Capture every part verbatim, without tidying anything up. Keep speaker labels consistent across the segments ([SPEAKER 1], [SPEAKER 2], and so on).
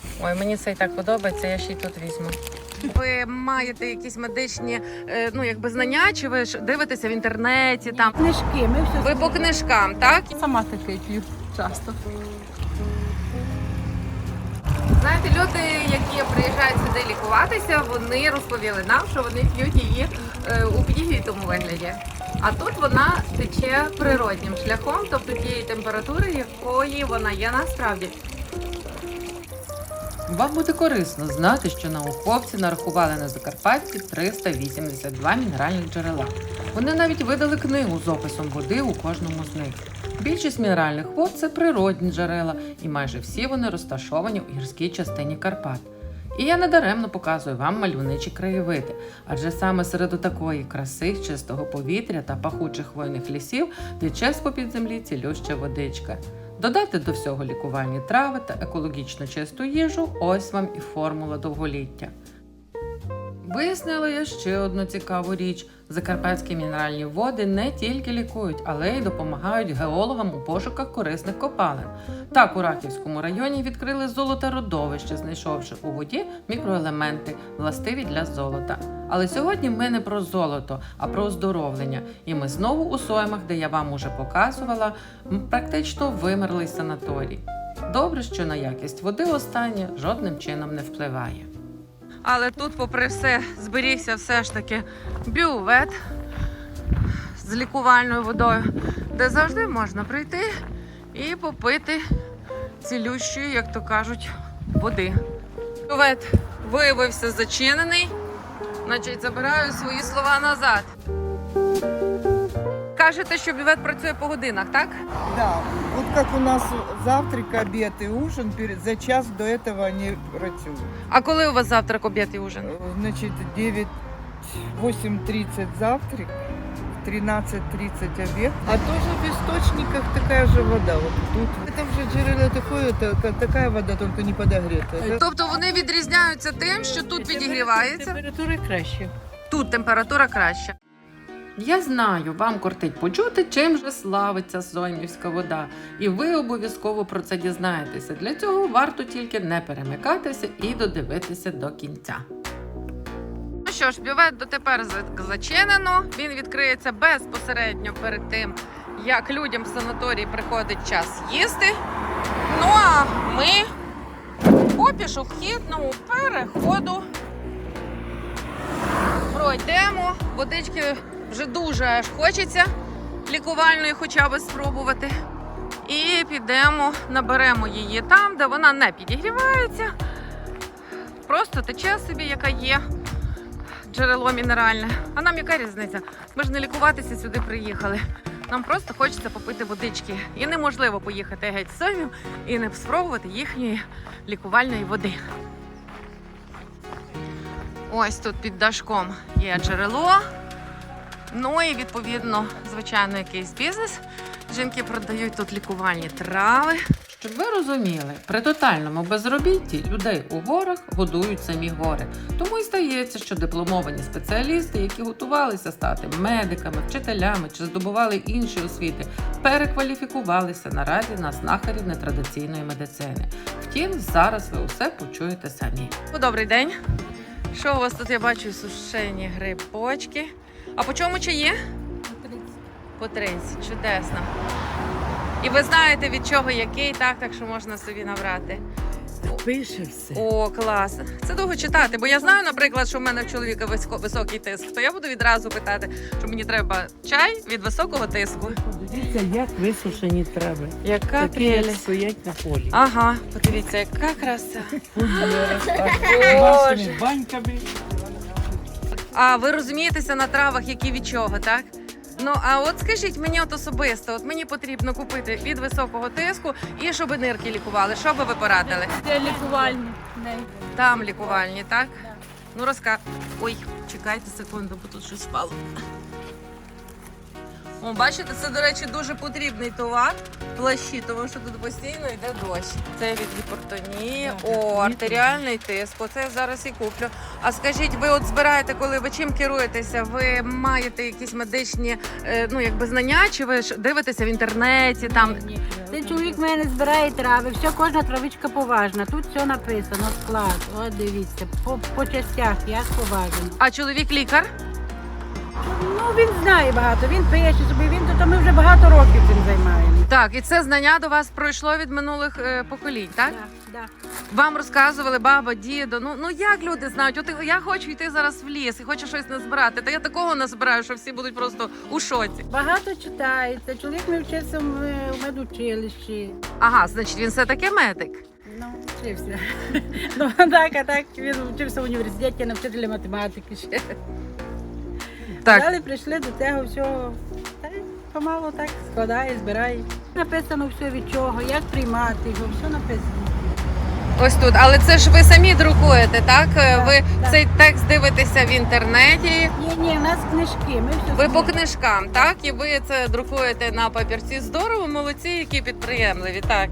[SPEAKER 1] Ой, мені це і так подобається, я ще й тут візьму. Ви маєте якісь медичні е, ну, якби знання, чи ви ж дивитеся в інтернеті? Там?
[SPEAKER 2] Книжки, ми все
[SPEAKER 1] Ви по книжкам, так?
[SPEAKER 2] сама таке п'ю часто.
[SPEAKER 1] Знаєте, люди, які приїжджають сюди лікуватися, вони розповіли нам, що вони п'ють її е, у підігрітому вигляді. А тут вона тече природнім шляхом, тобто тієї температури, якої вона є насправді. Вам буде корисно знати, що науковці нарахували на Закарпатті триста вісімдесят два мінеральних джерела. Вони навіть видали книгу з описом води у кожному з них. Більшість мінеральних вод – це природні джерела, і майже всі вони розташовані у гірській частині Карпат. І я недаремно показую вам мальовничі краєвиди, адже саме серед такої краси, чистого повітря та пахучих хвойних лісів тече з-попід землі цілюща водичка. Додати до всього лікувальні трави та екологічно чисту їжу – ось вам і формула довголіття. Вияснила я ще одну цікаву річ. Закарпатські мінеральні води не тільки лікують, але й допомагають геологам у пошуках корисних копалин. Так, у Рахівському районі відкрили золотородовище, знайшовши у воді мікроелементи, властиві для золота. Але сьогодні ми не про золото, а про оздоровлення. І ми знову у Соймах, де я вам уже показувала, практично вимерлий санаторій. Добре, що на якість води останнє жодним чином не впливає. Але тут, попри все, зберігся все ж таки бювет з лікувальною водою, де завжди можна прийти і попити цілющої, як то кажуть, води. Бювет виявився зачинений, значить забираю свої слова назад. Кажете, що бювет працює по годинах, так?
[SPEAKER 3] Да, вот как у нас завтрак, обед и ужин, перед- за час до этого они працюют.
[SPEAKER 1] А коли у вас завтрак, обід і ужин?
[SPEAKER 3] Э, Значит, девять, восемь тридцать завтрак, тринадцать тридцать обед. А тоже в источниках такая же вода. Вот тут. Это уже джерело такое, это ка- такая вода, только не подогретая. Это
[SPEAKER 1] Тобто вони відрізняються тим, що тут підігрівається?
[SPEAKER 2] Температура краще.
[SPEAKER 1] Тут температура краща. Я знаю, вам кортить почути, чим же славиться Соймівська вода. І ви обов'язково про це дізнаєтеся. Для цього варто тільки не перемикатися і додивитися до кінця. Ну що ж, бювет дотепер за- зачинено. Він відкриється безпосередньо перед тим, як людям в санаторії приходить час їсти. Ну а ми по пішохідному переходу пройдемо. Водички вже дуже аж хочеться лікувальної хоча б спробувати. І підемо, наберемо її там, де вона не підігрівається. Просто тече собі, яка є джерело мінеральне. А нам яка різниця? Ми ж не лікуватися сюди приїхали. Нам просто хочеться попити водички. І неможливо поїхати геть з Соймів і не спробувати їхньої лікувальної води. Ось тут під дашком є джерело. Ну і відповідно, звичайно, якийсь бізнес. Жінки продають тут лікувальні трави. Щоб ви розуміли, при тотальному безробітті людей у горах годують самі гори. Тому і стається, що дипломовані спеціалісти, які готувалися стати медиками, вчителями чи здобували інші освіти, перекваліфікувалися наразі на знахарів нетрадиційної медицини. Втім, зараз ви усе почуєте самі. Добрий день. Що у вас тут, я бачу, сушені грибочки. А по чому чаї? По тридцять. Чудесно. І ви знаєте, від чого який, так, так що можна собі набрати.
[SPEAKER 2] Пише все.
[SPEAKER 1] О, клас. Це довго читати, бо я знаю, наприклад, що в мене в чоловіка високо- високий тиск, то я буду відразу питати, що мені треба чай від високого тиску.
[SPEAKER 2] Подивіться, як висушені трави.
[SPEAKER 1] Яка
[SPEAKER 2] Такі, як
[SPEAKER 1] прелість.
[SPEAKER 2] стоять на полі.
[SPEAKER 1] Ага, подивіться, яка краса.
[SPEAKER 2] Нашими баньками.
[SPEAKER 1] А ви розумієтеся на травах, які від чого, так? Ну, а от скажіть мені от особисто, от мені потрібно купити від високого тиску і щоб нирки лікували. Що би ви порадили?
[SPEAKER 4] Це лікувальні.
[SPEAKER 1] Там лікувальні, так? Ну, розка... Ой, чекайте секунду, бо тут щось впало. О, бачите, це, до речі, дуже потрібний товар, плащі, тому що тут постійно йде дощ. Це від гіпертонії, о, артеріальний тиск, оце я зараз і куплю. А скажіть, ви от збираєте, коли ви чим керуєтеся? Ви маєте якісь медичні е, ну, якби знання, чи ви ж дивитеся в інтернеті? Там
[SPEAKER 4] Цей чоловік в мене збирає трави, все, кожна травичка поважна. Тут все написано, склад. От дивіться, по, по частях, як поважно.
[SPEAKER 1] а чоловік лікар?
[SPEAKER 4] Ну, він знає багато, він пише собі, він тут, а ми вже багато років цим займаємося.
[SPEAKER 1] Так, і це знання до вас пройшло від минулих е, поколінь, так?
[SPEAKER 4] Да, да.
[SPEAKER 1] Вам розказували баба, дідо. Ну ну як люди знають? От я хочу йти зараз в ліс і хочу щось назбирати. Та я такого назбираю, що всі будуть просто у шоці.
[SPEAKER 4] Багато читається, чоловік ми вчився в в медучилищі.
[SPEAKER 1] Ага, значить, він все таки медик.
[SPEAKER 4] Ну, вчився. Ну, так, а так, він вчився в університеті на вчителя математики ще.
[SPEAKER 1] Так.
[SPEAKER 4] Далі прийшли до цього всього, та й помалу так складає, збирає. Написано все від чого, як приймати його, все написано.
[SPEAKER 1] Ось тут. Але це ж ви самі друкуєте, так?
[SPEAKER 4] Так,
[SPEAKER 1] ви
[SPEAKER 4] так.
[SPEAKER 1] цей текст дивитеся в інтернеті.
[SPEAKER 4] Ні, ні, у нас книжки, ми все
[SPEAKER 1] Ви по
[SPEAKER 4] самі.
[SPEAKER 1] книжкам, так? І ви це друкуєте на папірці. Здорово, молодці, які підприємливі, так.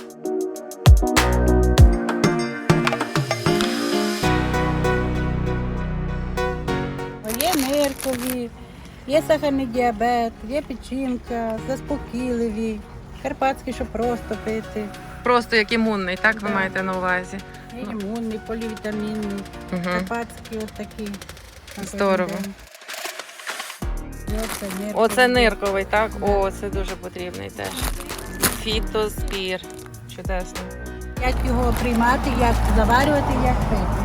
[SPEAKER 4] Є ниркові, є сахарний діабет, є печінка, заспокійливі, карпатські, що просто пити,
[SPEAKER 1] Просто як імунний, так ви
[SPEAKER 4] Да.
[SPEAKER 1] маєте на увазі.
[SPEAKER 4] є імунний, полівітамінний,
[SPEAKER 1] Угу.
[SPEAKER 4] карпатські от такі. на
[SPEAKER 1] Здорово.
[SPEAKER 4] кожен день. І Оце ниркові.
[SPEAKER 1] Оце нирковий, так? О, це дуже потрібний теж. Фітоспір. Чудесно.
[SPEAKER 4] Як його приймати, як заварювати, як пити.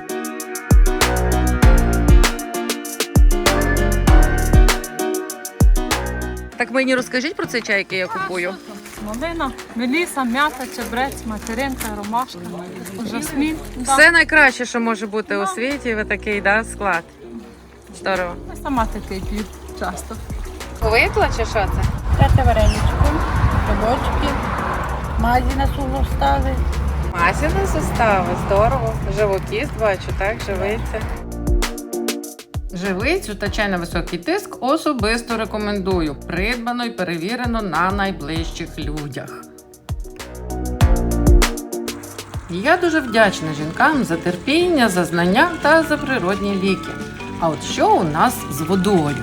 [SPEAKER 1] Так мені розкажіть про цей чай, який я купую.
[SPEAKER 5] Малина, меліса, м'ята, чебрець, материнка, ромашка, жасмін.
[SPEAKER 1] Все найкраще, що може бути у світі, ви такий, да, склад. Здорово.
[SPEAKER 5] Я сама такий п'ю часто.
[SPEAKER 1] Викла чи що це?
[SPEAKER 4] Трете вареничку, грибочки, мазі на сустави.
[SPEAKER 1] Масіна состави, здорово. Живокіст бачу, так, живиця. Живицю та чай на високий тиск особисто рекомендую. Придбано і перевірено на найближчих людях. Я дуже вдячна жінкам за терпіння, за знання та за природні ліки. А от що у нас з водою?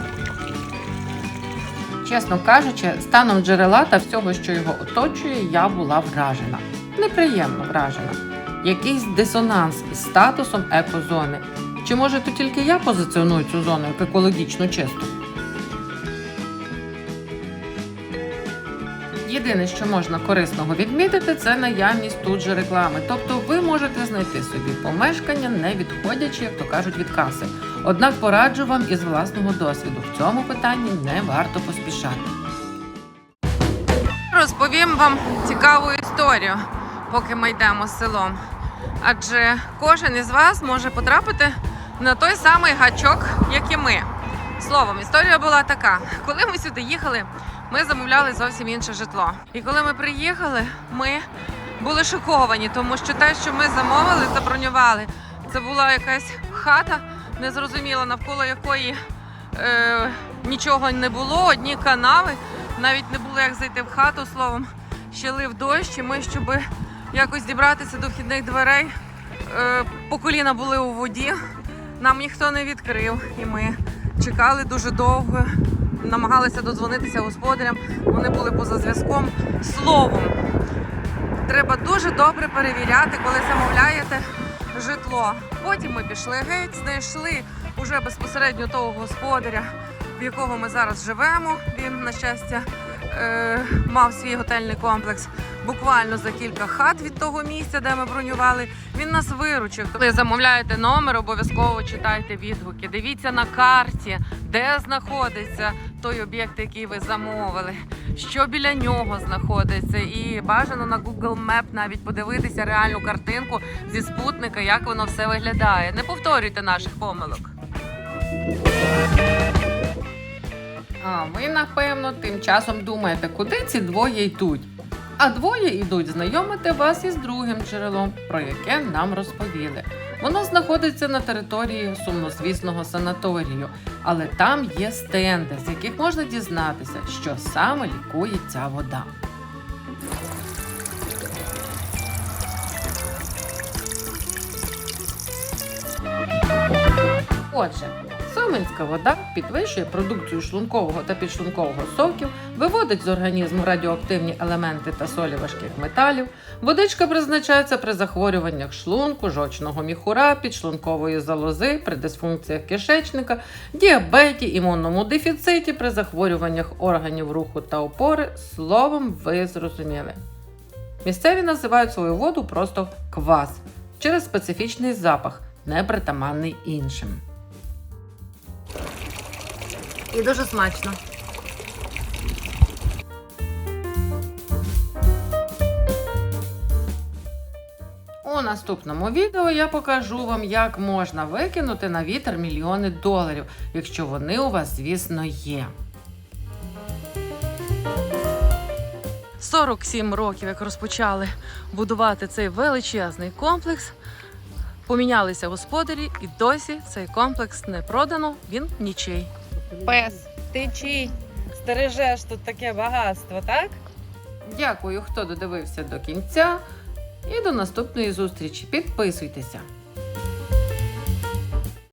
[SPEAKER 1] Чесно кажучи, станом джерела та всього, що його оточує, я була вражена. Неприємно вражена. Якийсь дисонанс із статусом екозони. Чи може то тільки я позиціоную цю зону як екологічно чисту? Єдине, що можна корисного відмітити, це наявність тут же реклами. Тобто ви можете знайти собі помешкання, не відходячи, як то кажуть, від каси. Однак пораджу вам із власного досвіду. В цьому питанні не варто поспішати. Розповім вам цікаву історію, поки ми йдемо селом. Адже кожен із вас може потрапити на той самий гачок, як і ми. Словом, історія була така. Коли ми сюди їхали, ми замовляли зовсім інше житло. І коли ми приїхали, ми були шоковані, тому що те, що ми замовили, забронювали, це була якась хата, незрозуміла, навколо якої е, нічого не було, одні канави, навіть не було як зайти в хату, словом, ще лив дощ, і ми, щоб якось дібратися до вхідних дверей, е, по коліна були у воді, нам ніхто не відкрив, і ми чекали дуже довго, намагалися додзвонитися господарям, вони були поза зв'язком. Словом, треба дуже добре перевіряти, коли замовляєте житло. Потім ми пішли геть, знайшли уже безпосередньо того господаря, в якого ми зараз живемо. Він, на щастя, е, мав свій готельний комплекс буквально за кілька хат від того місця, де ми бронювали. Він нас виручив. Коли замовляєте номер, обов'язково читайте відгуки. Дивіться на карті, де знаходиться той об'єкт, який ви замовили, що біля нього знаходиться. І бажано на Google Map навіть подивитися реальну картинку зі спутника, як воно все виглядає. Не повторюйте наших помилок. А ви, напевно, тим часом думаєте, куди ці двоє йдуть? А двоє йдуть знайомити вас із другим джерелом, про яке нам розповіли. Воно знаходиться на території сумнозвісного санаторію, але там є стенди, з яких можна дізнатися, що саме лікує ця вода. Отже, Соминська вода підвищує продукцію шлункового та підшлункового соків, виводить з організму радіоактивні елементи та солі важких металів. Водичка призначається при захворюваннях шлунку, жовчного міхура, підшлункової залози, при дисфункціях кишечника, діабеті, імунному дефіциті, при захворюваннях органів руху та опори. Словом, ви зрозуміли. Місцеві називають свою воду просто квас через специфічний запах, непритаманний іншим. І дуже смачно. У наступному відео я покажу вам, як можна викинути на вітер мільйони доларів, якщо вони у вас, звісно, є. сорок сім років, як розпочали будувати цей величезний комплекс. Помінялися господарі і досі цей комплекс не продано, він нічий.
[SPEAKER 6] Пес, ти чий? Стережеш тут таке багатство, так?
[SPEAKER 1] Дякую, хто додивився до кінця. І до наступної зустрічі. Підписуйтеся.